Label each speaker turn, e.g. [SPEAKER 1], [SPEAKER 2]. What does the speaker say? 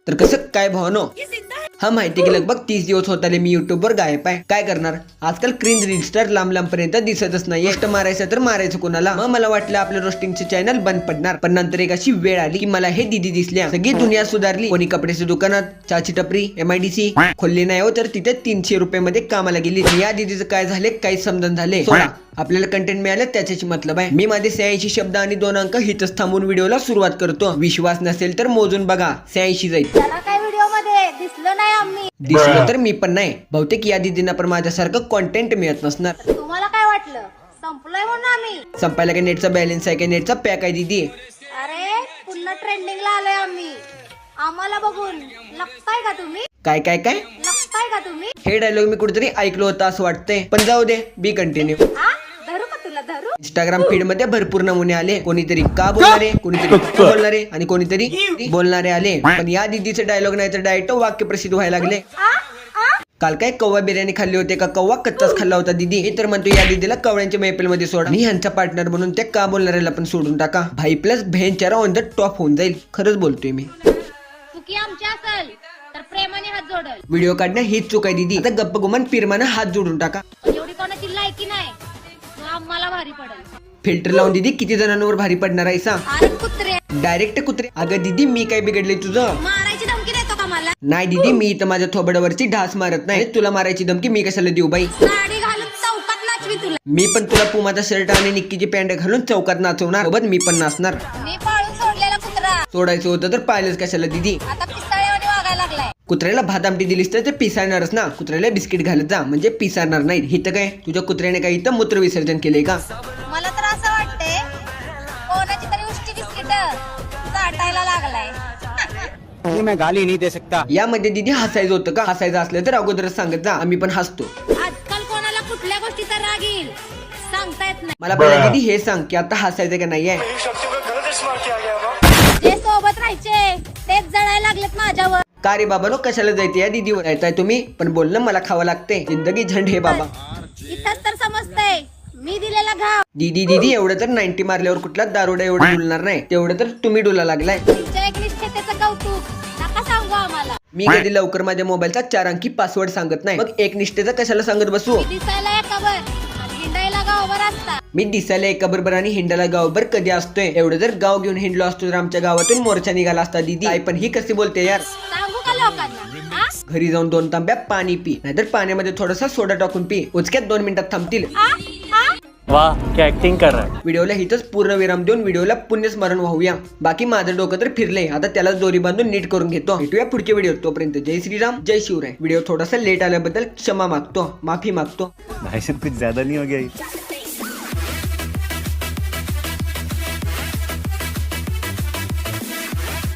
[SPEAKER 1] तर कसं काय भावनो, हा माहिती की लगभग 30 दिवस होत आले मी युट्यूब वर गायब आहे. काय करणार, आजकाल क्रिंज रील स्टार लांब लांब पर्यंत दिसतच नाही. गोष्ट मारायचं तर मारायचं कोणाला. मग मला वाटलं आपलं रोस्टिंगचे चॅनल बंद पडणार, पण नंतर एक अशी वेळ आली की मला हे दीदी दिसल्या. सगळी दुनिया सुधारली. कोणी कपड्याच्या दुकानात, चहाची टपरी, MIDC खोलली नाही हो, तर तिथे 300 रुपये मध्ये कामाला गेली. या दीदीचं काय झाले काही समजून झाले. सोडा, आपल्याला कंटेंट मिळालं त्याच्याची मतलब आहे. मी माझे 86 शब्द आणि 2 अंक हिथच थांबून व्हिडिओला सुरुवात करतो. विश्वास नसेल तर मोजून बघा, 86 जाईल. दिसलं तर मी पण नाही. बहुतेक या दीदींना पण माझ्यासारखं कॉन्टेंट मिळत नसणार.
[SPEAKER 2] तुम्हाला काय वाटलं संपलोय म्हणून आम्ही?
[SPEAKER 1] संपायला काय नेटचा बॅलन्स आहे, काय नेटचा पॅक आहे दीदी?
[SPEAKER 2] अरे पुन्हा ट्रेंडिंगला आलोय आम्ही. आम्हाला बघून लपताय का तुम्ही?
[SPEAKER 1] काय काय काय
[SPEAKER 2] लपताय का तुम्ही?
[SPEAKER 1] हे डायलॉग मी कुठेतरी ऐकलो होता असं वाटतंय, पण जाऊ दे, बी कंटिन्यू.
[SPEAKER 2] हा धरू का तुला धरू?
[SPEAKER 1] इंस्टाग्राम फीड मध्ये भरपूर नमुने आले. कोणीतरी का बोलणारे, कोणीतरी बोलणारे आणि कोणीतरी बोलणारे आले. पण या दीदीचे डायलॉग नाही तर डायरेक्ट वाक्य प्रसिद्ध व्हायला लागले. काल काय कव्वा बिर्याणी खाल्ली होते का कव्वा कच्चाच खाल्ला होता दीदी? हे तर म्हणतो या दीदीला कवळ्यांच्या मैफिल मध्ये सोडा. मी ह्यांचा पार्टनर म्हणून त्या का बोलणाऱ्याला पण सोडून टाका. भाई प्लस बहीण चारा ऑन द टॉप होऊन जाईल. खरंच बोलतोय मी.
[SPEAKER 2] चुकी आमची असेल तर प्रेमाने हात जोडल.
[SPEAKER 1] व्हिडिओ काढणं हीच चूक आहे दीदी. आता गप्प गुमान पिरमानं हात जोडून टाका.
[SPEAKER 2] एवढी कोणाची लायकी नाही, तो आम्हाला भारी पडेल.
[SPEAKER 1] फिल्टर लावून दीदी किती जणांवर भारी पडणार आहे सांग?
[SPEAKER 2] अरे कुत्रे,
[SPEAKER 1] डायरेक्ट कुत्रे. अगं दीदी मी काय बिघडले तुझं?
[SPEAKER 2] मारायची धमकी देतो का मला?
[SPEAKER 1] नाही दीदी, मी इथं माझ्या थोबडावरची ढास मारत नाही. तुला मारायची धमकी मी कशाला देऊ बाई?
[SPEAKER 2] साडी घालून चौकात नाचवी तुला.
[SPEAKER 1] मी पण तुला पुमाचा शर्ट आणि निक्कीची पॅन्ट घालून चौकात नाचवणार. सोबत मी पण नाचणार.
[SPEAKER 2] मी पाळून सोडलेला कुत्रा
[SPEAKER 1] सोडायचं होतं तर पाहिलंच कशाला दीदी?
[SPEAKER 2] आता पिस्ताळ्यावाने वागायला लागलाय.
[SPEAKER 1] कुत्र्याला भात आमटी दिलीस तर ते पिसाळणारच ना. कुत्र्याला बिस्किट घालत जा म्हणजे पिसाळणार नाही. इथं काय तुझ्या कुत्र्याने काही इथं मूत्र विसर्जन केलंय का?
[SPEAKER 2] मला तर असं वाटतंय कोणाची तरी उष्टी बिस्किट चाटायला लागलाय.
[SPEAKER 3] मैं गाली नहीं दे सकता.
[SPEAKER 1] यामध्ये दीदी हसायचं होतं का? हसायचं असलं तर अगोदरच सांगत जा, आम्ही पण हसतो.
[SPEAKER 2] आजकाल कोणाला कुठल्या गोष्टीचा राग येईल सांगता येत नाही.
[SPEAKER 1] मला पहिला दीदी हे सांग की आता हसायचं का नाहीये?
[SPEAKER 2] जे सोबत राहायचे तेच जळायला लागलेत माझ्यावर.
[SPEAKER 1] का रे बाबा नो, कशाला जायचं या दीदीवर? येताय तुम्ही पण बोलणं मला खावं लागते. जिंदगी झंड हे बाबा.
[SPEAKER 2] इथंच तर समजतंय मी दिलेला घाव.
[SPEAKER 1] दीदी एवढं तर 90 मारल्यावर कुठला दारुडा एवढं डुलणार नाही. तेवढं तर तुम्ही डुला लागलाय.
[SPEAKER 2] तुमच्या एकनिष्ठतेचं कौतुक नका सांगू आम्हाला.
[SPEAKER 1] मी कधी लवकर माझ्या मोबाईलचा 4 अंकी पासवर्ड सांगत नाही. मग एक निष्ठेचा कशाला सांगत बसू?
[SPEAKER 2] मी दिसायला एकावर आणि हिंडायला गावावर असता.
[SPEAKER 1] मी दिसायला एका बरोबर आणि हिंडाला गावभर कधी असतोय? एवढं जर गाव घेऊन हिंडलो असतो तर आमच्या गावातून मोर्चा निघाला असता दीदी. आई पण ही कशी बोलते यार?
[SPEAKER 2] सांगू का लोकांना? हा?
[SPEAKER 1] घरी जाऊन 2 तांब्या पाणी पी, नाहीतर पाण्यामध्ये थोडासा सोडा टाकून पी. उचक्यात 2 मिनिटात थांबतील.
[SPEAKER 2] हा? हा?
[SPEAKER 3] वाह क्या एक्टिंग कर रहा है.
[SPEAKER 1] व्हिडिओला हिथंच पूर्ण विराम देऊन व्हिडिओला पुण्यस्मरण वाहूया. बाकी माझं डोकं तर फिरले. आता त्याला दोरी बांधून नीट करून घेतो. भेटूया पुढच्या व्हिडिओ. तोपर्यंत जय श्रीराम, जय शिवराय. व्हिडिओ थोडासा लेट आल्याबद्दल क्षमा मागतो, माफी मागतो.
[SPEAKER 3] भाई साहब कुछ ज्यादा नहीं हो गया.